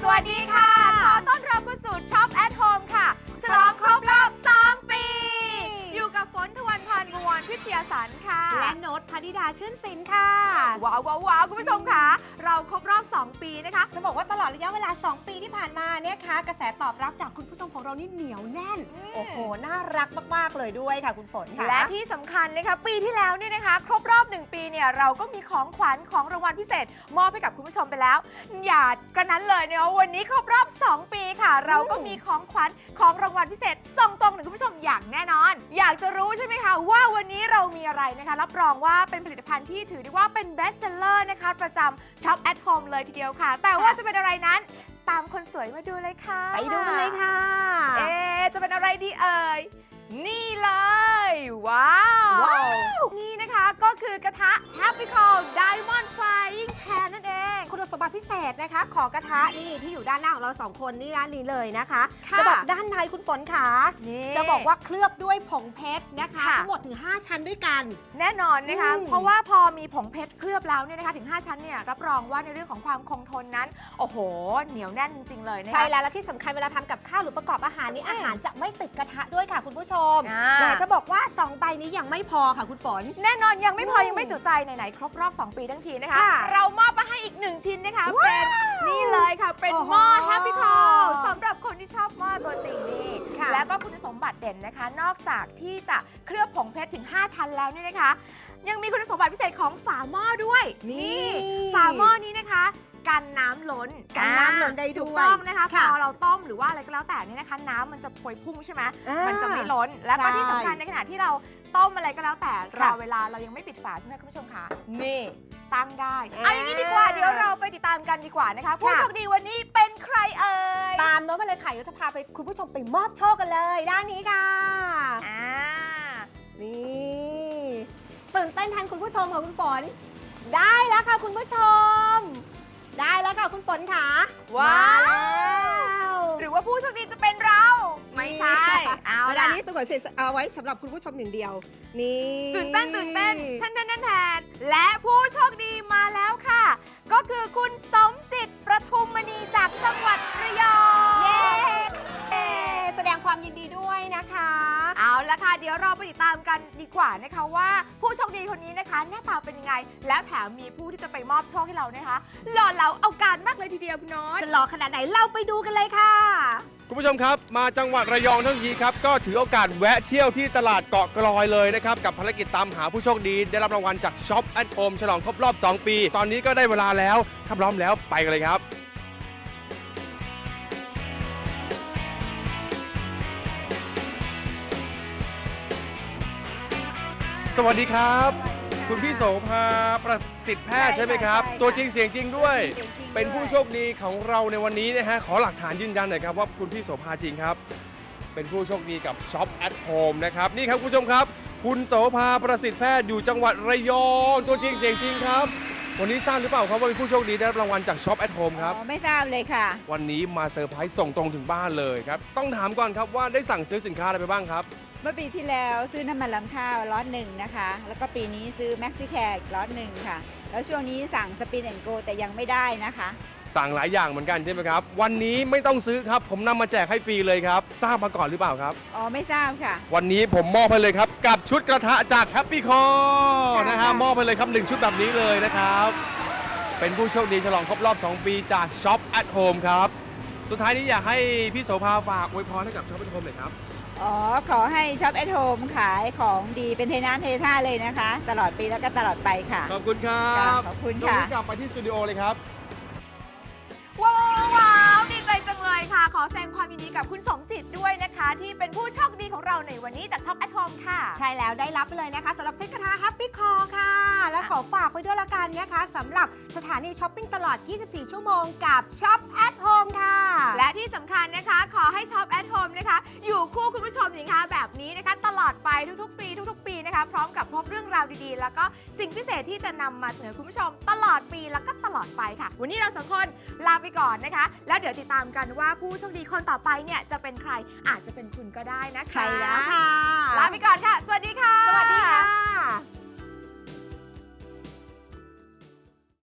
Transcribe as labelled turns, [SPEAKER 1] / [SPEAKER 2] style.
[SPEAKER 1] สวัสดีค่ะขอต้อนรับเข้าสู่ช็อปแอทโฮมค่ะฉลองครบรอบ 2 ปี อยู่กับฝนทวันพานบวรพิชยาสันค่ะ
[SPEAKER 2] และโน้ตพนิดาชื่นสินค่ะ
[SPEAKER 1] ว้าวคุณผู้ชมค่ะเราครบรอบ 2 ปีนะคะ
[SPEAKER 2] จะบอกว่าตลอดระยะเวลา 2 ปีที่ผ่านมาเนี่ยค่ะกระแสตอบรับจากคุณผู้ชมของเรานี่เหนียวแน่นโอ้โหน่ารักมากๆเลยด้วยค่ะคุณฝนค่ะ
[SPEAKER 1] และที่สำคัญนะคะปีที่แล้วเนี่ยนะคะครบรอบ 1 ปีเนี่ยเราก็มีของขวัญของรางวัลพิเศษมอบให้กับคุณผู้ชมไปแล้วอย่ากระนั้นเลยเนี่ยวันนี้ครบรอบ 2 ปีค่ะเราก็มีของขวัญของรางวัลพิเศษส่งตรงถึงคุณผู้ชมอย่างแน่นอนอยากจะรู้ใช่ไหมคะว่าวันนี้เรามีอะไรนะคะรับรองว่าเป็นผลิตภัณฑ์ที่ถือได้ว่าเป็นเบสเซลเลอร์นะคะประจำช็อปแอทโฮมเลยทีเดียวค่ะแต่ว่าจะเป็นอะไรนั้นตามคนสวยมาดูเลยค่ะ
[SPEAKER 2] ไปดูกันเลยค่ะ
[SPEAKER 1] จะเป็นอะไรดีเอ่ยนี่เลยว้าวนี่นะคะก็คือกระทะ Happy Call Diamond Frying Pan นั่นเอง
[SPEAKER 2] คุณสมบัติพิเศษนะคะของกระทะนี่ที่อยู่ด้านหน้าของเรา2คนนี่ด้านนี้เลยนะคะจะบอกด้านในคุณฝนค่ะจะบอกว่าเคลือบด้วยผงเพชรนะคะทั้งหมดถึง5ชั้นด้วยกัน
[SPEAKER 1] แน่นอนนะคะเพราะว่าพอมีผงเพชรเคลือบแล้วเนี่ยนะคะถึง5ชั้นเนี่ยรับรองว่าในเรื่องของความคงทนนั้นโอ้โหเหนียวแน่นจริงๆเลยนะคะ
[SPEAKER 2] ใช่แล้วและที่สำคัญเวลาทำกับข้าวหรือประกอบอาหารนี่อาหารจะไม่ติดกระทะด้วยค่ะคุณผู้ชมอยากจะบอกว่า2ใบนี้ยังไม่พอค่ะคุณฝน
[SPEAKER 1] แน่นอนยังไม่พอยังไม่จุใจไหนๆครบรอบ2 ปีทั้งทีนะคะเรามอบมาให้อีก1ชิ้นนะคะเป็นนี่เลยค่ะเป็นหม้อ Happy Call สำหรับคนที่ชอบหม้อตัวจริงนี่แล้วก็คุณสมบัติเด่นนะคะนอกจากที่จะเคลือบผงเพชรถึง5ชั้นแล้วเนี่ยนะคะยังมีคุณสมบัติพิเศษของฝาหม้อด้วยนี่ฝาหม้อนี้นะคะกันน้ำล้น
[SPEAKER 2] ได้ด้วย
[SPEAKER 1] ถูกต้องนะคะพอเราต้มหรือว่าอะไรก็แล้วแต่นี่นะคะน้ำมันจะพวยพุ่งใช่ไหมมันจะไม่ล้นแล้วก็ที่สำคัญในขณะที่เราต้มอะไรก็แล้วแต่รอเวลาเรายังไม่ปิดฝาใช่ไหมคุณผู้ชมคะนี่ตั้งได้เอาอย่างนี้ดีกว่าเดี๋ยวเราไปติดตามกันดีกว่านะคะผู้โชคดีวันนี้เป็นใครเอ่ย
[SPEAKER 2] ตามโน้ตมาเลยค่ะจะพาไปคุณผู้ชมไปมอบโชคกันเลยด้านนี้ค่ะนี่ตื่นเต้นแทนคุณผู้ชมค่ะคุณฝนได้แล้วค่ะคุณผู้ชมได้แล้วค่ะคุณฝนค่ะ
[SPEAKER 1] ว้าวหรือว่าผู้โชคดีจะเป็นเราไม่ใช่เอา
[SPEAKER 2] เวลานี้สงวนเสร็จเอาไว้สำหรับคุณผู้ชมอย่างเดียวนี่
[SPEAKER 1] ตื่นเต้นแทนและผู้โชคดีมาแล้วค่ะก็คือคุณสมจิตประทุมมณีจากจังหวัดระยอง
[SPEAKER 2] แสดงความยินดีด้วยนะคะ
[SPEAKER 1] เอาละค่ะเดี๋ยวเราไปติดตามกันดีกว่านะคะว่าผู้โชคดีคนนี้นะคะหน้าตาเป็นยังไงแล้วแถมมีผู้ที่จะไปมอบโชคให้เรานะคะหล่อเหลาเอาการมากเลยทีเดียวคุณน้อย
[SPEAKER 2] จะหล่อขนาดไหนเราไปดูกันเลยค่ะ
[SPEAKER 3] คุณผู้ชมครับมาจังหวัดระยองทั้งทีครับก็ถือโอกาสแวะเที่ยวที่ตลาดเกาะกลอยเลยนะครับกับภารกิจตามหาผู้โชคดีได้รับรางวัลจากช็อปแอทโฮมฉลองครบรอบ 2 ปีตอนนี้ก็ได้เวลาแล้วถ้าพร้อมแล้วไปกันเลยครับสวัสดีครับคุณพี่โสภาประสิทธิ์แพทย์ใช่ไหมครับตัวจริงเสียงจริงด้วยเป็นผู้โชคดีของเราในวันนี้นะฮะขอหลักฐานยืนยันหน่อยครับว่าคุณพี่โสภาจริงครับเป็นผู้โชคดีกับช็อปแอทโฮมนะครับนี่ครับคุณผู้ชมครับคุณโสภาประสิทธิ์แพทย์อยู่จังหวัดระยองตัวจริงเสียงจริงครับวันนี้ทราบหรือเปล่าครับว่าเป็นผู้โชคดีได้รับรางวัลจากช็อปแอทโฮมครับ
[SPEAKER 4] ไม่ทราบเลยค่ะ
[SPEAKER 3] วันนี้มาเซอร์ไพรส์ส่งตรงถึงบ้านเลยครับต้องถามก่อนครับว่าได้สั่งซื้อสินค้าอะไรไปบ้างครับ
[SPEAKER 4] เมื่อปีที่แล้วซื้อน้ำมันลำข้าวล็อตหนึ่งนะคะแล้วก็ปีนี้ซื้อแม็กซิแคร์ล็อตหนึ่งค่ะแล้วช่วงนี้สั่งสปินแอนด์โกแต่ยังไม่ได้นะคะ
[SPEAKER 3] สั่งหลายอย่างเหมือนกันใช่ไหมครับวันนี้ไม่ต้องซื้อครับผมนำมาแจกให้ฟรีเลยครับทราบมาก่อนหรือเปล่าครับ
[SPEAKER 4] อ๋อไม่ทราบค่ะ
[SPEAKER 3] วันนี้ผมมอบให้เลยครับกับชุดกระทะจาก Happy Call นะฮะมอบให้เลยครับ1ชุดแบบนี้เลยนะครับเป็นผู้โชคดีฉลองครบรอบ 2 ปีจาก Shop at Home ครับสุดท้ายนี้อยากให้พี่โสภาฝากอวยพรให้กับ Shop at Home หน่อยครับ
[SPEAKER 4] อ๋อขอให้ช็อปแอทโฮมขายของดีเป็นเทน้ำเทท่าเลยนะคะตลอดปีแล้วก็ตลอดไปค่ะ
[SPEAKER 3] ขอบคุณครับ
[SPEAKER 4] ขอบคุณ
[SPEAKER 3] ค่ะช่วงนี้กลับไปที่สตูดิโอเลยครับ
[SPEAKER 1] ว้าวดีใจจังเลยค่ะขอแสดงความยินดีกับคุณสมจิตด้วยนะคะที่เป็นผู้โชคดีของเราในวันนี้จากช็อปแอทโฮมค่ะ
[SPEAKER 2] ใช่แล้วได้รับไปเลยนะคะสำหรับเซ็ตกระทะ Happy Call ค่ะและขอฝากไว้ด้วยละกันนะคะสำหรับสถานีช้อปปิ้งตลอด 24 ชั่วโมงกับช็อปแอทโฮมค่ะ
[SPEAKER 1] และที่สำคัญนะคะขอให้ช็อปแอทโฮมนะคะอยู่คู่คุณผู้ชมอย่างคะแบบนี้นะคะตลอดไปทุกๆปีนะคะพร้อมกับพบเรื่องราวดีๆแล้วก็สิ่งพิเศษที่จะนำมาเสนอคุณผู้ชมตลอดปีแล้วก็ตลอดไปค่ะวันนี้เราสองคนลาไปก่อนนะคะแล้วเดี๋ยวติดตามกันว่าผู้โชคดีคนต่อไปเนี่ยจะเป็นใครอาจจะเป็นคุณก็ได้นะคะ
[SPEAKER 2] ใช่แล้วค่ะ
[SPEAKER 1] ลาไปก่อนค่ะสวัสดีค่ะ
[SPEAKER 2] สวัสดีค่ะ